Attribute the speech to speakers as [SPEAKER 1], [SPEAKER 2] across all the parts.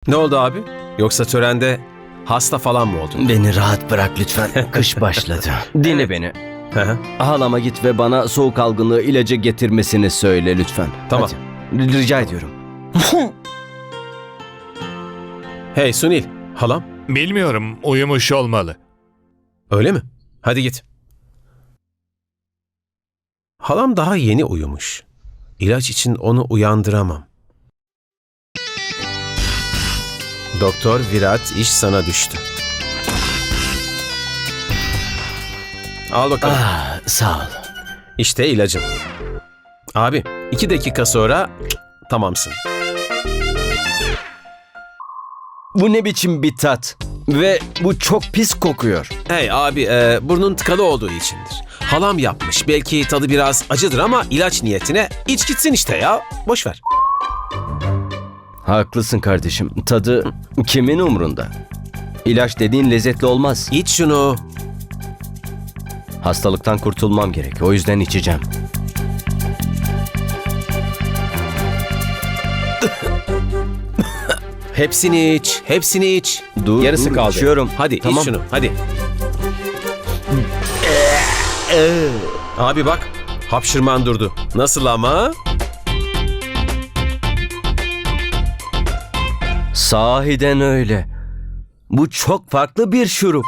[SPEAKER 1] Ne oldu abi? Yoksa törende hasta falan mı oldun?
[SPEAKER 2] Beni rahat bırak lütfen. Kış başladı. Dinle beni.
[SPEAKER 1] Hı hı.
[SPEAKER 2] Halama git ve bana soğuk algınlığı ilacı getirmesini söyle lütfen.
[SPEAKER 1] Tamam.
[SPEAKER 2] Hadi. Rica ediyorum.
[SPEAKER 1] Hey Sunil, halam.
[SPEAKER 3] Bilmiyorum, uyumuş olmalı.
[SPEAKER 1] Öyle mi? Hadi git. Halam daha yeni uyumuş. İlaç için onu uyandıramam. Doktor Virat, iş sana düştü. Al bakalım.
[SPEAKER 2] Sağ ol.
[SPEAKER 1] İşte ilacın. Abi 2 dakika sonra tamamsın.
[SPEAKER 2] Bu ne biçim bir tat? Ve bu çok pis kokuyor.
[SPEAKER 1] Hey abi burnun tıkalı olduğu içindir. Halam yapmış. Belki tadı biraz acıdır ama ilaç niyetine iç gitsin işte ya. Boş ver.
[SPEAKER 2] Haklısın kardeşim. Tadı kimin umrunda? İlaç dediğin lezzetli olmaz.
[SPEAKER 1] İç şunu.
[SPEAKER 2] Hastalıktan kurtulmam gerek. O yüzden içeceğim.
[SPEAKER 1] Hepsini iç. Hepsini iç.
[SPEAKER 2] Dur,
[SPEAKER 1] Yarısı kaldı.
[SPEAKER 2] içiyorum.
[SPEAKER 1] Hadi
[SPEAKER 2] Tamam.
[SPEAKER 1] iç şunu. Hadi. Abi bak. Hapşırman durdu. Nasıl ama?
[SPEAKER 2] Sahiden öyle. Bu çok farklı bir şurup.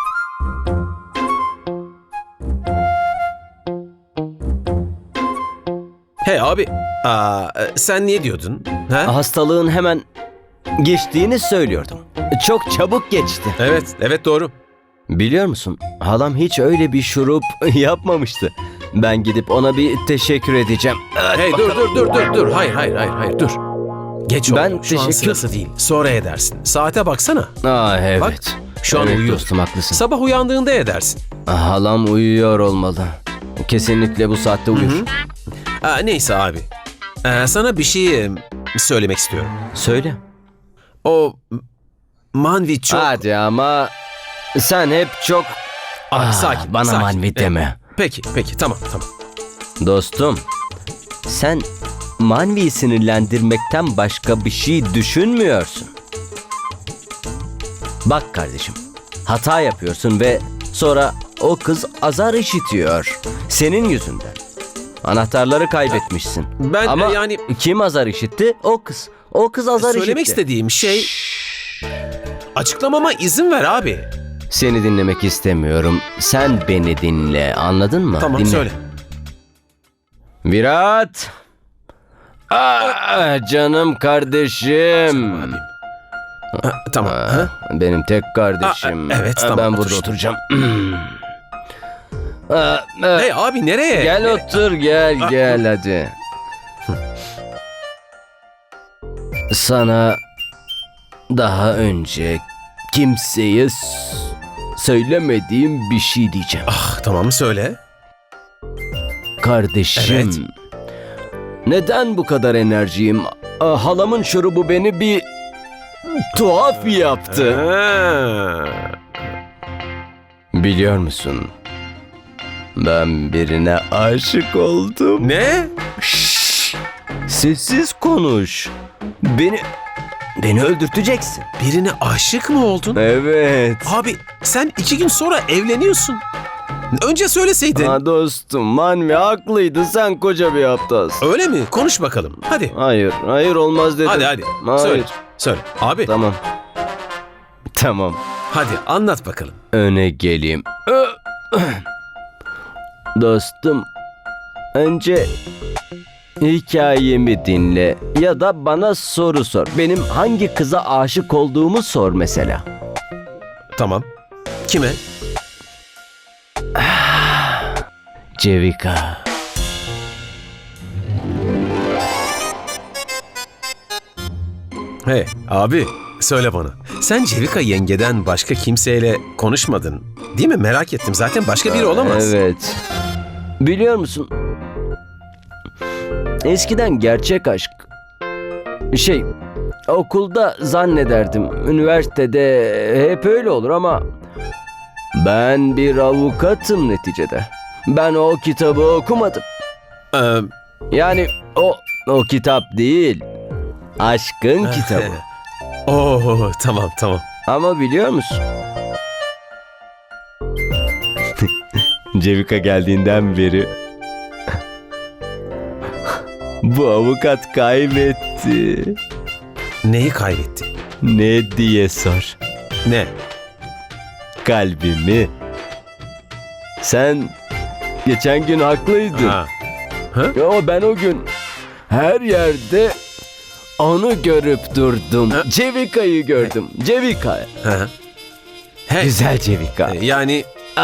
[SPEAKER 1] Hey abi. Sen niye diyordun? Ha?
[SPEAKER 2] Hastalığın hemen geçtiğini söylüyordum. Çok çabuk geçti.
[SPEAKER 1] Evet doğru.
[SPEAKER 2] Biliyor musun? Halam hiç öyle bir şurup yapmamıştı. Ben gidip ona bir teşekkür edeceğim.
[SPEAKER 1] Hey dur. Hayır dur. Geç oldu.
[SPEAKER 2] Ben
[SPEAKER 1] Şu an
[SPEAKER 2] teşekkür-
[SPEAKER 1] sırası değil. Sonra edersin. Saate baksana.
[SPEAKER 2] Evet.
[SPEAKER 1] Bak, şu an
[SPEAKER 2] evet
[SPEAKER 1] uyuyor.
[SPEAKER 2] dostum, haklısın.
[SPEAKER 1] Sabah uyandığında edersin.
[SPEAKER 2] Halam uyuyor olmalı. Kesinlikle bu saatte uyur.
[SPEAKER 1] Neyse abi. Sana bir şey söylemek istiyorum.
[SPEAKER 2] Söyle.
[SPEAKER 1] O Manvi çok...
[SPEAKER 2] Hadi ama sen hep çok...
[SPEAKER 1] Abi, sakin.
[SPEAKER 2] Bana
[SPEAKER 1] sakin.
[SPEAKER 2] manvi deme.
[SPEAKER 1] Peki tamam.
[SPEAKER 2] Dostum, sen Manvi'yi sinirlendirmekten başka bir şey düşünmüyorsun. Bak kardeşim, hata yapıyorsun ve sonra o kız azar işitiyor. Senin yüzünden. Anahtarları kaybetmişsin.
[SPEAKER 1] Ben
[SPEAKER 2] Ama
[SPEAKER 1] yani...
[SPEAKER 2] kim azar işitti? O kız. O kız azar işitti.
[SPEAKER 1] Söylemek istediğim şey... Açıklamama izin ver abi.
[SPEAKER 2] Seni dinlemek istemiyorum. Sen beni dinle. Anladın mı?
[SPEAKER 1] Tamam
[SPEAKER 2] Dinle.
[SPEAKER 1] söyle.
[SPEAKER 2] Virat. Canım kardeşim.
[SPEAKER 1] Abim. Tamam.
[SPEAKER 2] Benim tek kardeşim.
[SPEAKER 1] Evet, tamam,
[SPEAKER 2] Ben
[SPEAKER 1] otur
[SPEAKER 2] burada
[SPEAKER 1] işte.
[SPEAKER 2] oturacağım.
[SPEAKER 1] Hey abi nereye?
[SPEAKER 2] Gel otur, gel hadi. Sana daha önce kimseye söylemediğim bir şey diyeceğim.
[SPEAKER 1] Tamam söyle.
[SPEAKER 2] Kardeşim.
[SPEAKER 1] Evet.
[SPEAKER 2] Neden bu kadar enerjiyim? Halamın şurubu beni bir tuhaf yaptı. Biliyor musun? Ben birine aşık oldum.
[SPEAKER 1] Ne?
[SPEAKER 2] Şşş! Sessiz konuş. Beni öldürteceksin.
[SPEAKER 1] Birine aşık mı oldun?
[SPEAKER 2] Evet.
[SPEAKER 1] Abi sen 2 gün sonra evleniyorsun. Önce söyleseydin.
[SPEAKER 2] Ha dostum, Manvi haklıydı. Sen koca bir aptalsın.
[SPEAKER 1] Öyle mi? Konuş bakalım. Hadi.
[SPEAKER 2] Hayır olmaz dedim.
[SPEAKER 1] Hadi.
[SPEAKER 2] Hayır.
[SPEAKER 1] Söyle. Abi
[SPEAKER 2] Tamam.
[SPEAKER 1] hadi anlat bakalım.
[SPEAKER 2] Öne geleyim. Dostum, önce hikayemi dinle ya da bana soru sor. Benim hangi kıza aşık olduğumu sor mesela.
[SPEAKER 1] Tamam. Kime?
[SPEAKER 2] Cevika.
[SPEAKER 1] Hey abi söyle bana. Sen Cevika yengeden başka kimseyle konuşmadın. Değil mi? Merak ettim. Zaten başka biri olamaz.
[SPEAKER 2] Evet. Biliyor musun? Eskiden gerçek aşk... okulda zannederdim. Üniversitede hep öyle olur ama... Ben bir avukatım neticede. Ben o kitabı okumadım.
[SPEAKER 1] Ee,
[SPEAKER 2] Yani o kitap değil. Aşkın kitabı.
[SPEAKER 1] Oo, tamam.
[SPEAKER 2] Ama biliyor musun? Cevika geldiğinden beri bu avukat kaybetti.
[SPEAKER 1] Neyi kaybetti?
[SPEAKER 2] Ne diye sor.
[SPEAKER 1] Ne?
[SPEAKER 2] Kalbimi. Sen geçen gün haklıydın.
[SPEAKER 1] Ha.
[SPEAKER 2] Ya ben o gün her yerde onu görüp durdum.
[SPEAKER 1] Ha?
[SPEAKER 2] Cevika'yı gördüm. Cevika.
[SPEAKER 1] Ha. He,
[SPEAKER 2] Güzel Cevika.
[SPEAKER 1] yani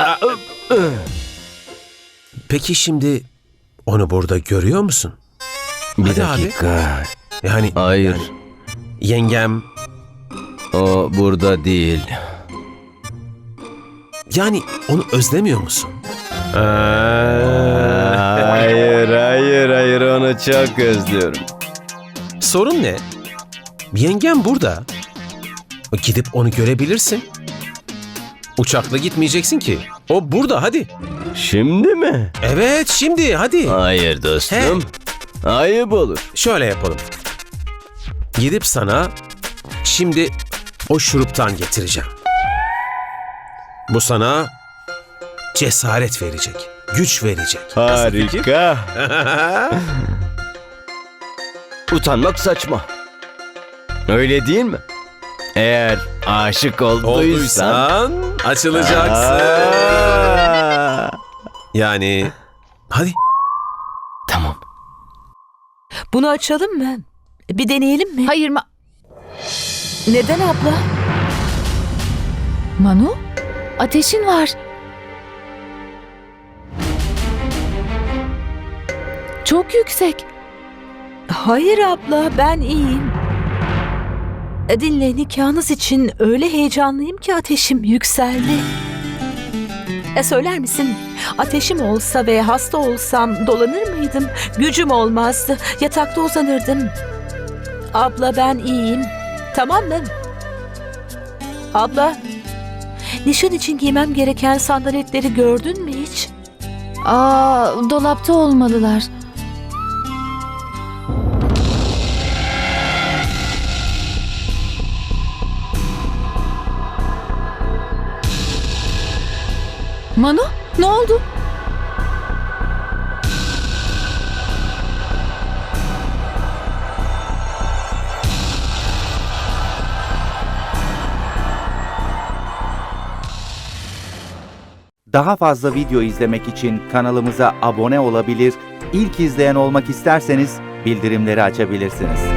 [SPEAKER 1] peki şimdi onu burada görüyor musun?
[SPEAKER 2] Bir
[SPEAKER 1] Hadi abi.
[SPEAKER 2] dakika.
[SPEAKER 1] Yani
[SPEAKER 2] Hayır.
[SPEAKER 1] yengem,
[SPEAKER 2] O burada değil.
[SPEAKER 1] yani onu özlemiyor musun?
[SPEAKER 2] Hayır onu çok özlüyorum.
[SPEAKER 1] Sorun ne? Yengem burada. Gidip onu görebilirsin. Uçakla gitmeyeceksin ki. O burada, hadi.
[SPEAKER 2] Şimdi mi?
[SPEAKER 1] Evet, şimdi hadi.
[SPEAKER 2] Hayır dostum. Ayıp olur.
[SPEAKER 1] Şöyle yapalım. Gidip sana şimdi o şuruptan getireceğim. Bu sana cesaret verecek, güç verecek. Nasıl fikir?
[SPEAKER 2] Harika. Utanmak saçma. Öyle değil mi? Eğer aşık olduysan...
[SPEAKER 1] Olduysan açılacaksın.
[SPEAKER 2] Aa!
[SPEAKER 1] Yani hadi.
[SPEAKER 2] Tamam.
[SPEAKER 4] Bunu açalım mı? Bir deneyelim mi?
[SPEAKER 5] Hayır
[SPEAKER 4] Neden abla?
[SPEAKER 5] Manu, ateşin var. Çok yüksek.
[SPEAKER 4] Hayır abla, ben iyiyim. Dinle, nikahınız için öyle heyecanlıyım ki ateşim yükseldi. Söyler misin? Ateşim olsa ve hasta olsam dolanır mıydım? Gücüm olmazdı. Yatakta uzanırdım. Abla, ben iyiyim. Tamam mı? Abla, nişan için giymem gereken sandaletleri gördün mü hiç?
[SPEAKER 5] Dolapta olmalılar. Manu, ne oldu?
[SPEAKER 6] Daha fazla video izlemek için kanalımıza abone olabilir, ilk izleyen olmak isterseniz bildirimleri açabilirsiniz.